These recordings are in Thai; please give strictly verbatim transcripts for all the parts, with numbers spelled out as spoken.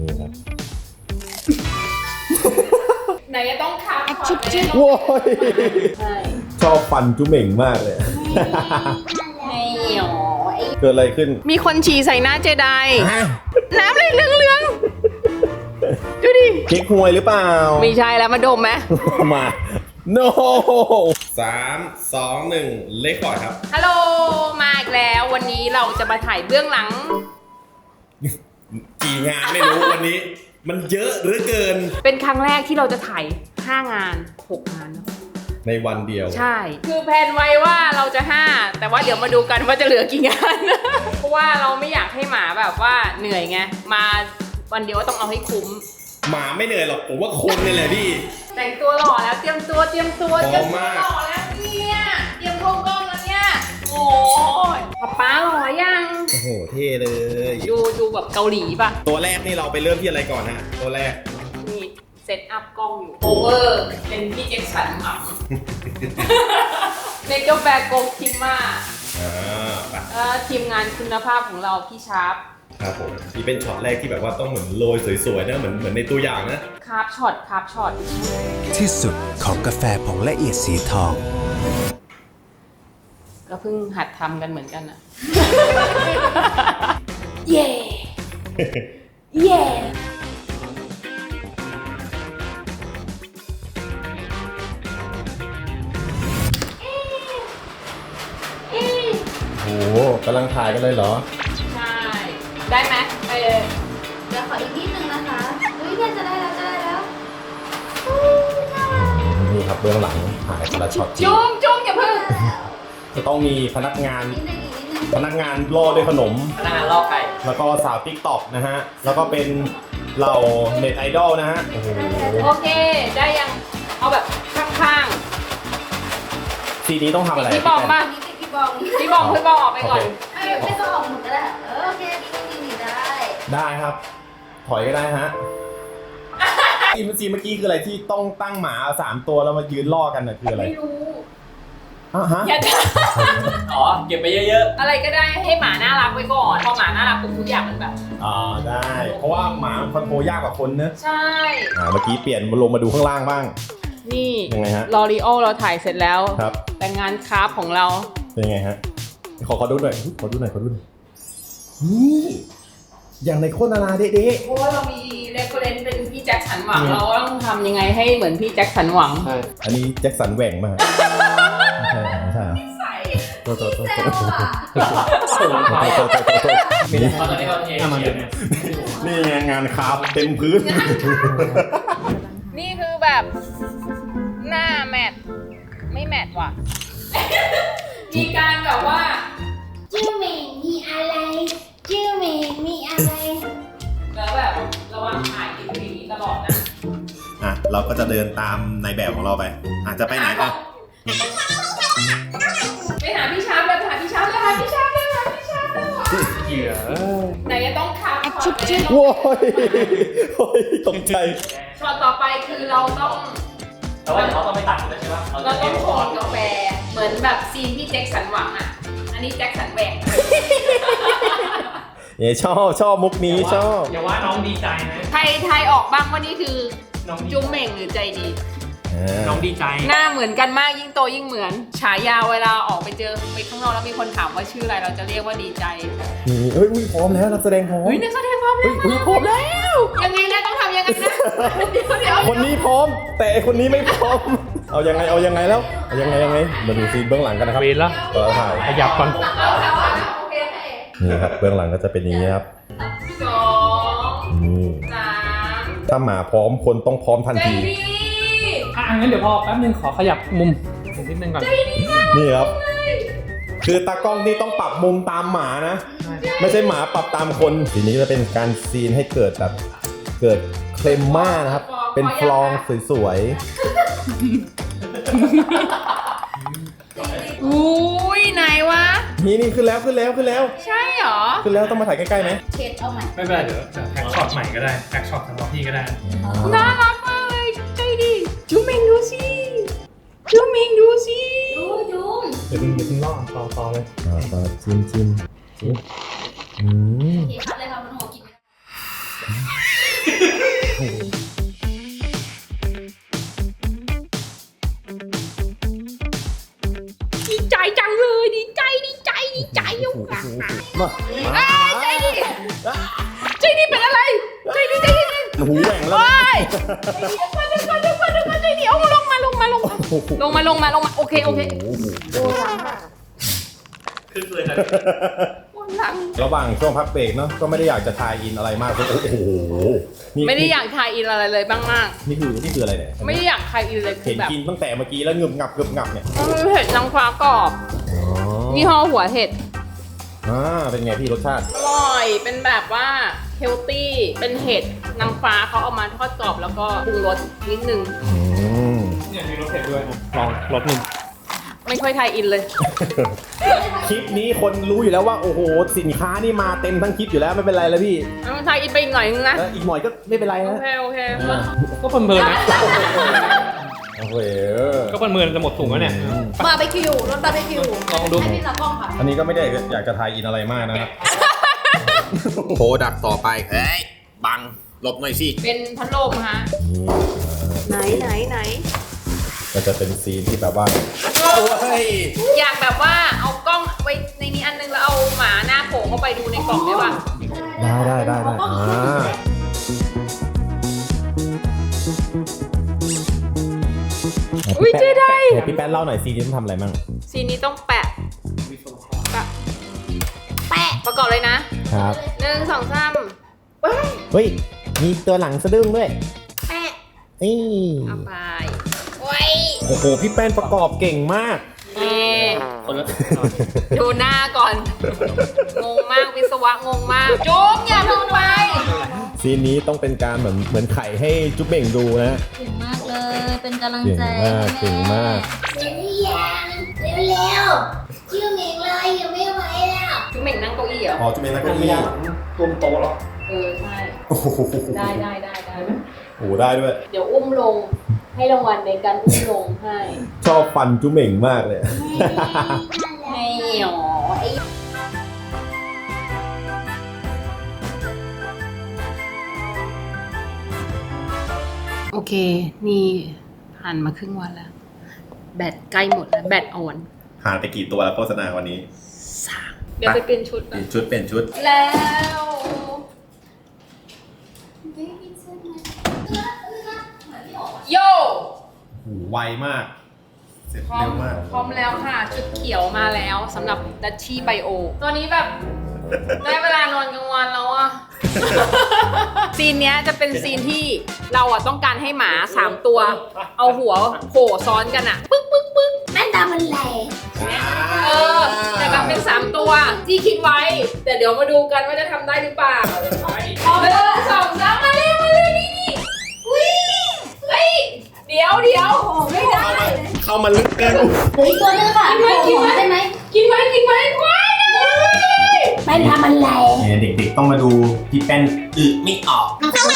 นี่ครับไหนจะต้องคับช็อตเลยโว้ยใช่ชอบฟันจุเหม่งมากเลยไม่หรอเกิดอะไรขึ้นมีคนฉี่ใส่หน้าเจไดน้ำเลยเหลืองๆดูดิเค้กฮวยหรือเปล่าไม่ใช่แล้วมาดมไหมมา no สามสองหนึ่งเลคคอร์ดครับฮัลโหลมาอีกแล้ววันนี้เราจะมาถ่ายเบื้องหลังกี่งานไม่รู้วันนี้ มันเยอะเหลือเกินเป็นครั้งแรกที่เราจะถ่ายห้างานหกงานเนอะในวันเดียวใช่ คือแพลนไว้ว่าเราจะห้าแต่ว่าเดี๋ยวมาดูกันว่าจะเหลือกี่งาน เพราะว่าเราไม่อยากให้หมาแบบว่าเหนื่อยไงมาวันเดียวต้องเอาให้คุ้มหมาไม่เหนื่อยหรอกผมว่าคนนี่แหละพี่แต่งตัวหล่อแล้วเตรียมตัวเตรียมตัวพร้อมเตรียมตัวมากหล่อแล้วเนี่ยเตรียมโครงกล้องแล้วเนี่ยโอ้ยป๊าป๊าหล่อยังโอ้โหเท่เลยดูดูแบบเกาหลีป่ะตัวแรกนี่เราไปเริ่มที่อะไรก่อนฮะตัวแรกนี่เซตอัพกล้องอยู่โอเวอร์เป็นพี่เจ็คสันหม่ำในกาแฟโกคิมมาอ่าไปเอ่อทีมงานคุณภาพของเราพี่ชาร์ปครับผมนี่เป็นช็อตแรกที่แบบว่าต้องเหมือนโรยสวยๆนะเหมือนเหมือนในตัวอย่างนะคาร์บช็อตคาร์บช็อตที่สุดของกาแฟผงละเอียดสีทองก็เพิ่งหัดทำกันเหมือนกันอะ เย่เย่โอ้โหกำลังถ่ายกันเลยเหรอใช่ ได้ไหมเออเดี๋ยวขออีกนิดนึงนะคะอุ้ยเนี่ยจะได้แล้วจะได้แล้วอู้น่ารักนี่ครับเบื้องหลังถ่ายแต่ละช็อตจริงจุ้มจุ้มอย่าเพิ่งจะต้องมีพนักงานนิดนึงอีกนิดนึงพนักงานล่อด้วยขนมพนักงานลอกไก่แล้วก็สาวติ๊กต็อกนะฮะ แล้วก็เป็นเหล่าเน็ตไอดอลนะฮะ โอ้โหโอเค ได้ยังเอาแบบข้างทีนี้ต้องทำๆอะไรพี่บอมมาอันนี้ติดพี่บองพี่บอมพี่บอมออกไปก่อนไม่ไม่ต้องออกหมดก็ได้เออโอเคนิดนึงนิดนึงได้ได้ครับ ถอยก็ได้ฮะซีนซีนเมื่อกี้คืออะไรที่ต้องตั้งหมาสามตัวแล้วมายืนล่อกันน่ะคืออะไรไม่รู้อ่ะฮะอย่าด่าอ๋อ เก็บไปเยอะอะไรก็ได้ให้หมาน่ารักไว้ก่อน พอหมาน่ารักปุ๊บทุกอย่างมันแบบอ่าได้ เพราะว่าหมามันคอนโทรลยากกว่าคนเนอะใช่อ่าเมื่อกี้เปลี่ยนมาลงมาดูข้างล่างบ้างนี่ยังไงฮะลอรีโอเราถ่ายเสร็จแล้วครับแต่งานคราฟของเราเป็นไงฮะ ขอขอดูหน่อยขอดูหน่อยขอดูหน่อยนี่อย่างในโฆษณาเด๊ะเพราะว่าเรามีเรฟเฟรนซ์เป็นพี่แจ็คสันหวัง เราต้องทำยังไงให้เหมือนพี่แจ็คสันหวังๆใช่ๆอันนี้แจ็คสันแหว่งมากไม่ใช่ไม่ใช่เหรอตัวตัวตัวแซตัววอ่ะส่งไปตัวตัวตัวตัวนี่ตอนนี้เราเทนี่เขียนเนี่ยนี่ไงงานคราฟเต็มพื้นนี่คือแบบหน้าแมทไม่แมทว่ะ มีการแบบว่าชื่อเหม่งมีอะไรชื่อเหม่งมีอะไรแล้วแบบระวังถ่ายติดอย่างนี้ตลอดนะอ่ะเราก็จะเดินตามในแบบของเราไปอาจจะไปไหนอ่ะไปหาพี่ชาร์ปเลยไปหาพี่ชาร์ปเลยหาพี่ชาร์ปเลยหาพี่ชาร์ปเลยเหยื่อไหนจะต้องคับช็อตเลยโว้ยโอ้ยตกใจช็อตต่อไปคือเราต้องแต่ว่าเดี๋ยวเขาต้องไปตัดแล้วใช่ปะเราต้องโขกกาแฟเหมือนแบบซีนที่แจ็คสันหวังอ่ะ อันนี้แจ็คสันแหวกเนี่ยชอบชอบมุกนี้ชอบอย่าว่าน้องดีใจนะไทยไทยออกบ้างว่านี่คือน้องดีจุ้มเหม่งหรือใจดีน้องดีใจหน้าเหมือนกันมากยิ่งโตยิ่งเหมือน ฉายาเวลาออกไปเจอไปข้างนอกแล้วมีคนถามว่าชื่ออะไรเราจะเรียกว่าดีใจนี่เฮ้ยอุ๊ยพร้อมแล้วนักแสดงพร้อมเฮ้ยนักแสดงพร้อมแล้วเฮ้ยพร้อมแล้วยังไงนะต้องทำยังไงนะเดี๋ยวเดี๋ยวคนนี้พร้อม แต่ไอ้คนนี้ไม่พร้อม เอายังไงเอายังไงแล้วเอายังไงยังไงมาดูซีนเบื้องหลังกันนะครับเวรละต่อถ่ายขยับก่อนเอาเอาเอาโอเคโอเคนี่ครับเบื้องหลังก็จะเป็นอย่างนี้ครับสองนี่สามถ้าหมาพร้อมคนต้องพร้อมทันใจทีดีอ่ะงั้นเดี๋ยวพอแป๊บนึงขอขยับมุมนิดนึงก่อนนี่ครับ คือตากล้องนี่ต้องปรับมุมตามหมานะ ไม่ใช่หมาปรับตามคนทีนี้จะเป็นการซีนให้เกิดแบบเกิดเคลมม่านะครับ เป็นฟลองสวยอุ้ยไหนวะๆนี่นี่ขึ้นแล้วขึ้นแล้วขึ้นแล้วใช่เหรอขึ้นแล้วต้องมาถ่ายใกล้ๆไหมเช็ดเอาใหม่ไม่เป็นไรเดี๋ยวจะแพ็กช็อตใหม่ก็ได้แพ็กช็อตสำหรับพี่ก็ได้น่ารักมากเลยใจดีจูเมงดูสิจูเมงดูสิดูจุ้มเดี๋ยวเพิ่งเดี๋ยวเพิ่งล่อต่อต่อเลยอ่าก็จิ้มจิ้มจิ้มอืมโอเคคัดเลยค่ะมันหัวกินไม่ได้ดีใจจังเลยดีใจดีใจดีใจอยู่ค่ะมาใจดีใจดีเป็นอะไรใจดีใจดีหูแหว่งแล้วโอ้ยมาเดี๋ยวก่อนเดี๋ยวก่อนเดี๋ยวก่อนใจดีเอาลงมาลงมาลงมาลงมาลงมาลงมาโอเคโอเคปวดหลังระหว่างช่วงพักเบรกเนาะก็ไม่ได้อยากจะทายอินอะไรมากโอ้โหนี่ไม่ได้อยากทายอินอะไรเลยบ้างมากนี่คือนี่คืออะไรเนี่ยไม่ได้อยากทายอินเลยคืเห็อน แบบกินตั้งแต่เมื่อกี้แล้วงึบงับงึบงับเนี่ยมันเป็นเห็ดนางฟ้ากรอบอ๋อยี่ห้อหัวเห็ดอ่าเป็นไงพี่รสชาติอร่อยเป็นแบบว่าเฮลตี้เป็นเห็ดนางฟ้าเขาเอามาทอดกรอบแล้วก็ปรุงรสนิดนึงอืมเนี่ยมีรสเผ็ดด้วยลองรสหนึ่งไม่ค่อยทายอินเลยคลิปนี้คนรู้อยู่แล้วว่าโอ้โหสินค้านี่มาเต็มทั้งคลิปอยู่แล้วไม่เป็นไรแล้วพี่ต้องทายอินไปอีกหน่อยนึงนะเอออีกหน่อยก็ไม่เป็นไรโอนะเคโอเคก็เพลินๆนะโอเคก็เพลินๆจะหมดถุงแล้วเนี่ยบาร์บีคิวรสบาร์บีคิวลองดูให้พี่ตากล้องค่ะอันนี้ก็ไม่ได้อยากจะทายอินอะไรมากนะครับโปรดักต่อไปเฮ้ยบังหลบหน่อยสิเป็นพัดลมฮะไหนไหนไหนก็จะเป็นซีนที่แบบว่าโอ้ยอยากแบบว่าเอากล้องไว้ในนี้อันนึงแล้วเอาหมาหน้าโผล่เข้าไปดูในกล่องได้ป่ะได้ได้ได้ได้อ่าอุ้ยเจ๊ได้พี่แป๊ดเล่าหน่อยซีนนี้ต้องทำอะไรมั่งซีนนี้ต้องแปะแปะแปะประกอบเลยนะครับ หนึ่งสองสามว้ายเฮ้ยมีตัวหลังสะดึ้งด้วยแปะนี่เอาไปโอ้ยโอ้โหพี่แป้นประกอบเก่งมากเอ๊ะคนละดูหน้าก่อน งงมากวิศวะงงมากจุ๊บอย่าลงไปซีนนี้ต้องเป็นการเหมือนเหมือนไข่ให้จุ๊บเบ่งดูนะเก่งมากเลย เป็นกำลังเก่งใจมากเก่งมากเร็วยังเร็วๆชื่อเหม่งเลยยังไม่ไหวแล้วจุ๊บเหม่งนั่งเก้าอี้เหรออ๋อจุ๊บเบ่งนักไม่เก้าอี้ได้รวมโตะหรอเออใช่โอ้โหได้ได้ได้ได้โอ้โหได้ด้วยเดี๋ยวอุ้มลงให้รางวัลในการอุ้มลงให้ชอบฟันจุ๊บเบ่งมากเลยไม่หรอไอ้โอเค นี่ผ่านมาครึ่งวันแล้ว แบตใกล้หมดแล้ว แบตอ่อนหาไปกี่ตัวแล้วโฆษณาวันนี้สามเดี๋ยวไปเปลี่ยนชุดเปก่อลี่นยนชุดเปลี่ยนชุดแล้ว โย่โอ้โหไวมาก เสร็จพร้อเร็มวมากพร้อมแล้วค่ะ ชุดเขียวมาแล้วสำหรับดัชชี่ไบโอตัวนี้แบบ ได้เวลานอนกลางวันแล้วอะ ซีนเนี้ยจะเป็นซีนที่เราอะต้องการให้หมาสามตัว เอาหัวโผล่ซ้อนกันอะปึ๊กปึ๊กปึ๊กแม่นตามันแหลกเออแต่แบบเป็นสามตัวที่คิดไว้ แต่เดี๋ยวมาดูกันว่าจะทำได้หรือเปล่าเอาไปเลยสองสามมาเลยมาเลยนี่นี่อุ้ยเฮ้ยเดี๋ยวเดี๋ยวไม่ได้เข้ามาลึกเกินเหลืออีกตัวนึงค่ะกินไหมได้ไหมกินไหมกินไหมว้ายนะแม่นตามันแหลกเนี่ยเด็กๆต้องมาดูพี่แป้นอึไม่ออก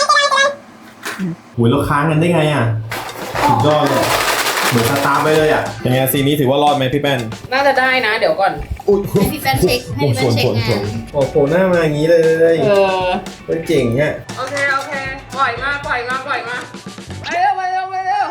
หูยแล้วค้างกันได้ไงอ่ะสุดยอดเลยเหมือนสตาร์ไปเลยอ่ะยังไงซีนนี้ถือว่ารอดไหมพี่แป้นน่าจะได้นะ เดี๋ยวก่อนอุ้ยให้พี่แป้นเช็คให้พี่แป้นเช็คงานโอ้โหหน้ามาอย่างนี้เลยเออเจ๋งอ่ะโอเค โอเค ปล่อยมา ปล่อยมา ปล่อยมา ไปเร็ว ไปเร็ว ไปเร็ว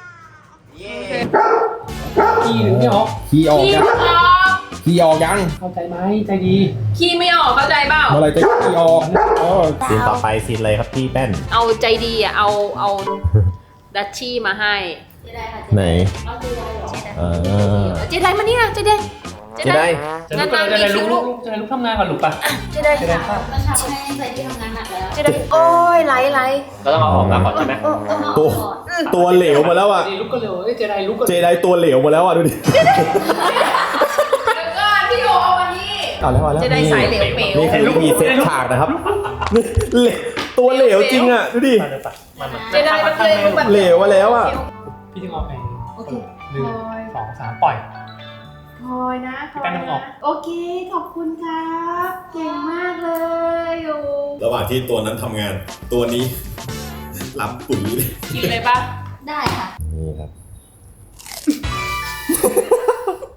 ขี้หรือไม่ออกขี้ออกขี้ยังออกขี้ออกยังเข้าใจไหมใจดีขี้ไม่ออก เข้าใจเปล่าเมื่อไรจะขี้ออกซีนต่อไปซีนอะไรครับพี่แป้นเอาใจดีอ่ะ เอา เอาดัชชี่มาให้จะได้ค่ะไหนเอาเจไดเหรออ่าเจไดมานี่นะเจไดจะได้จะลุกจะได้ลุกลุกจะได้ลุกทำงานก่อนลุกปะเจไดจะได้ค่ะก็ทำให้ใจที่ทำงานหนักแล้วเจไดโอ้ยไหลไหลเราต้องเอาออกมาก่อนใช่ไหมตัวตัวเหลวมาแล้วอ่ะดีลุกก็เร็วเจได้ลุกก็เจไดตัวเหลวมาแล้วอ่ะดูดิเดี๋ยวก่อนพี่โยเอามานี่เอาแล้วเอาแล้วเจไดสายเหลวเป๋วนี่คือวิธีเซตฉากนะครับเหลวตัวเหลวจริงอ่ะดูดิเจไดมันเลยรูปแบบเหลวมาแล้วอ่ะพี่จึงเอาไปโอเคหนึ่งสองสามปล่อยพลอยนะพลแป้อยงน้ำออกโอเค ขอบคุณครับ เก่งมากเลยโอ้ระหว่างที่ตัวนั้นทำงาน ตัวนี้รับปุ๋ยเลยกินเลยปะได้ค่ะนี่ครับ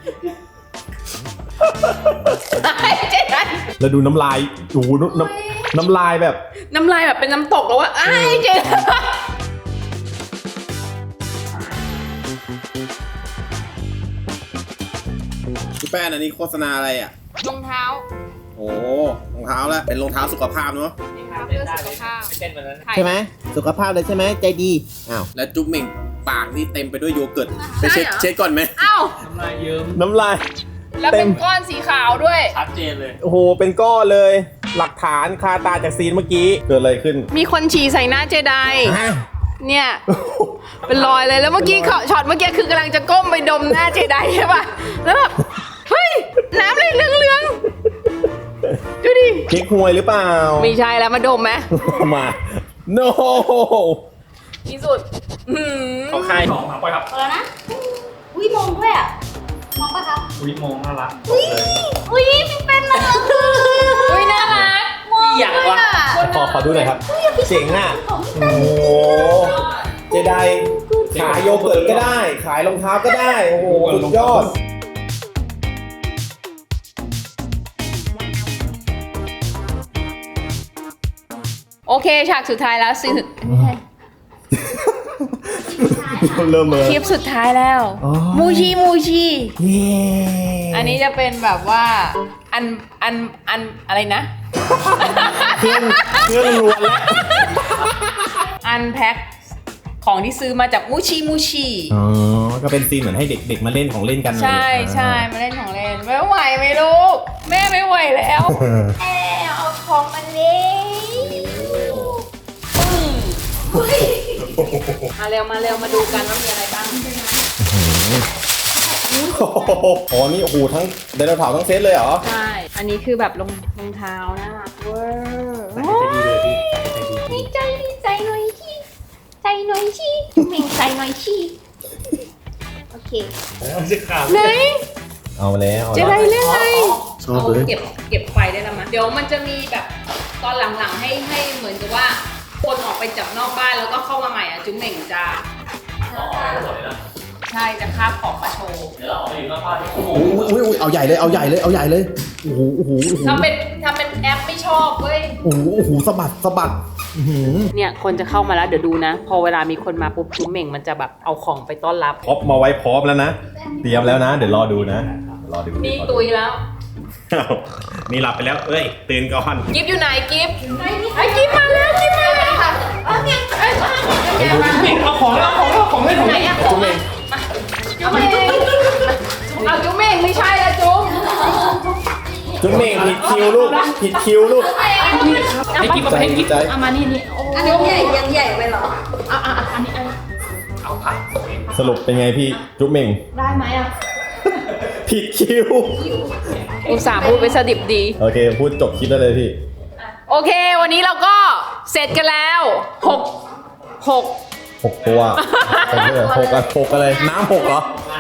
เจ๊ได้แล้วดูน้ำลายโอ้โหน้ำน้น้ำลายแบบน้ำลายแบบเป็นน้ำตกแล้วว่าอ้ายเจ๊พี่แป้นอันนี้โฆษณาอะไรอ่ะรองเท้าโอ้รองเท้าแล้วเป็นรองเท้าสุขภาพเนาะเพื่อสุขภาพเต้นวันนั้นใช่ไหมสุขภาพเลยใช่ไหมใจดีอ้าวแล้วจุ๊บเหม่งปากนี่เต็มไปด้วยโยเกิร์ตไปเช็ดเช็ดก่อนไหมอ้าวน้ำลายเยิ้มน้ำลายแล้วเป็นก้อนสีขาวด้วยชัดเจนเลยโอ้โหเป็นก้อนเลย หลักฐานคาตาจากซีนเมื่อกี้เกิดอะไรขึ้นมีคนฉี่ใส่หน้าเจไดฮะเนี่ย เป็นรอยเลยแล้วเมื่อกี้เขาช็อตเมื่อกี้คือกำลังจะก้มไปดมหน้าเจไดใช่ป่ะแล้วแบบเฮ้ยน้ำเลยเหลืองๆดูดิเค้กหวยหรือเปล่าไม่ใช่แล้วมาดมไหมมา no ที่สุดอื้อหือเขาคายของมาปล่อยครับพอแล้วนะ อุ้ยมองด้วยอ่ะ มองปะครับอุ้ยมองน่ารักอุ้ย อุ้ยพี่เป็นน่ารักเลยอุ้ยน่ารักมองอยากด้วยวะอ่ะขอขอดูหน่อยครับ เจ๋งอ่ะ โอ้โหเจไดขายโยเกิร์ตก็ได้ ขายรองเท้าก็ได้ โอ้โหสุดยอดโอเคฉากสุดท้ายแล้วสิเริ่มเลยคลิปสุดท้ายแล้วอ๋อมูชีมูชีเย้อันนี้จะเป็นแบบว่าอันอันอันอะไรนะเครื่องเครื่องล้วนแล้วอันแพ็คของที่ซื้อมาจากมูชีมูชีอ๋อ ก็เป็นซีนเหมือนให้เด็กๆมาเล่นของเล่นกันใช่ใช่มาเล่นของเล่นไม่ไหวไหมลูก แม่ไม่ไหวแล้วเออแอบเอาของมาเล่มาเร็วมาเร็วมาดูกันว่ามีอะไรบ้างอ๋อ นี่โอ้โหทั้งไดโนเสาร์ทั้งเซตเลยเหรอใช่ อันนี้คือแบบรองรองเท้าน่ารักเวอร์ดีใจดีใจหน่อยชีใจหน่อยชีเม่งใจหน่อยชีโอเคไหนเอาแล้วเจะได้เรื่องอะไรชอบเอาเลยเก็บเก็บไฟได้แล้วมั้ยเดี๋ยวมันจะมีแบบตอนหลังๆให้ให้เหมือนกับว่า คนออกไปจากนอกบ้านแล้วก็เข้ามาใหม่อ่ะจุ๊มเหม่งจะใช่จะคาบของมาโชว์เดี๋ยวเราออกไปอยู่นอกบ้านโอ้โหอุ้ยอุ้ยเอาใหญ่เลย เอาใหญ่เลย เอาใหญ่เลย โอ้โห โอ้โห โอ้โหทำเป็นทำเป็นแอปไม่ชอบเว้ยโอ้โห โอ้โหสะบัดสะบัดอื้อหือเนี่ยคนจะเข้ามาแล้วเดี๋ยวดูนะ พอเวลามีคนมาปุ๊บจุ๊มเหม่งมันจะแบบเอาของไปต้อนรับพร็อพมาไว้พร้อมแล้วนะ เตรียมแล้วนะ เดี๋ยวรอดูนะ รอดูนี่รอดูตุยแล้วอ้าวนี่หลับไปแล้ว เอ้ย ตื่นก่อนกิฟอยู่ไหนกิฟไอ้กิฟมาแล้วกิฟมาแล้วเอาไงไอ้มาเอาของเอาของเอาของเล่นของไหนเล่นอะของมาจุ๊มเหม่งเอาจุ๊มเหม่งไม่ใช่แล้วจุ๊มจุ๊บเม่งผิดคิวลูก ผิดคิวลูกไอ้กิ๊บมาใจให้กิ๊บใจเอามานี่นี่โอ้อันนี้ใหญ่ยังใหญ่ไปเหรออ่ะอ่ะอันนี้อันนี้เอาผักสรุปเป็นไงพี่ จุ๊บเม่งได้ไหมอ่ะผิดคิวอุตส่าห์พูดไปสดิบดีโอเค พูดจบคลิปได้เลยพี่โอเค วันนี้เราก็เสร็จกันแล้วหกหกหกตัวหกเลยหกอะหกอะไร น้ำหกเหรอ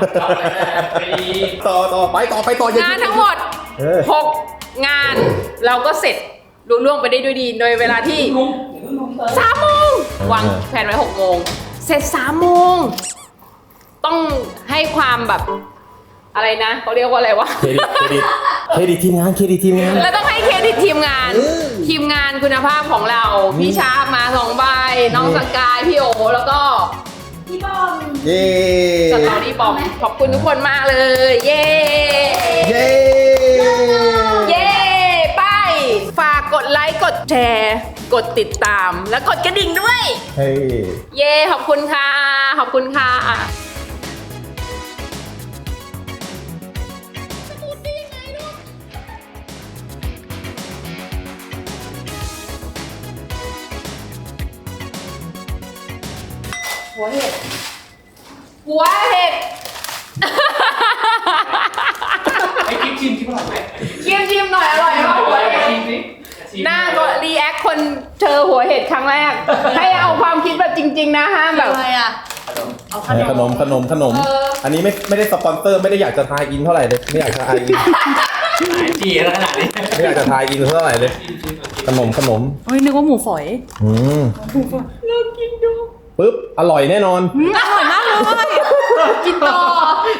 ต่อต่อไปต่อไปต่ออย่งานทั้งหมดเออหกงานเราก็เสร็จลุล่วงไปได้ด้วยดี โดยเวลาที่สามโมงวางแผนไว้หกโมงเสร็จสามโมงต้องให้ความแบบอะไรนะเขาเรียกว่าอะไรวะเครดิต เครดิต เครดิตทีมงาน เครดิตทีมงานแล้วต้องให้เครดิตทีมงาน ทีมงานคุณภาพของเรา พี่ชาร์ปมาสองใบ น้องสกาย พี่โอ แล้วก็พี่บอมเย้สตอรี่บอม ขอบคุณทุกคนมากเลย เย้เย้เย้ ไป ฝากกดไลค์ กดแชร์ กดติดตาม และกดกระดิ่งด้วยเฮ้ยเย้ ขอบคุณค่ะ ขอบคุณค่ะหัวเห็ด หัวเห็ดไอ้กิ๊บชิมชิมอร่อยไหมชิมชิมหน่อยอร่อยมากหัวเห็ดชิมสิชิมหน้าก็รีแอคคนเจอหัวเห็ดครั้งแรก ให้เอาความคิดแบบจริง ๆ นะห้ามแบบอะไรอ่ะเอาขขนนมม ขนม ขนมเอออันนี้ไม่ไม่ได้สปอนเซอร์ ไม่ได้อยากจะทายอินเท่าไหร่เลย ไม่อยากจะทายอินจีแล้วขนาดนี้ไม่อยากจะทายอินเท่าไหร่เลย ขนม ขนมเฮ้ยนึกว่าหมูฝอยอืมเรากินดูปึ๊บ อร่อยแน่นอนอร่อยมากเลยกินต่อ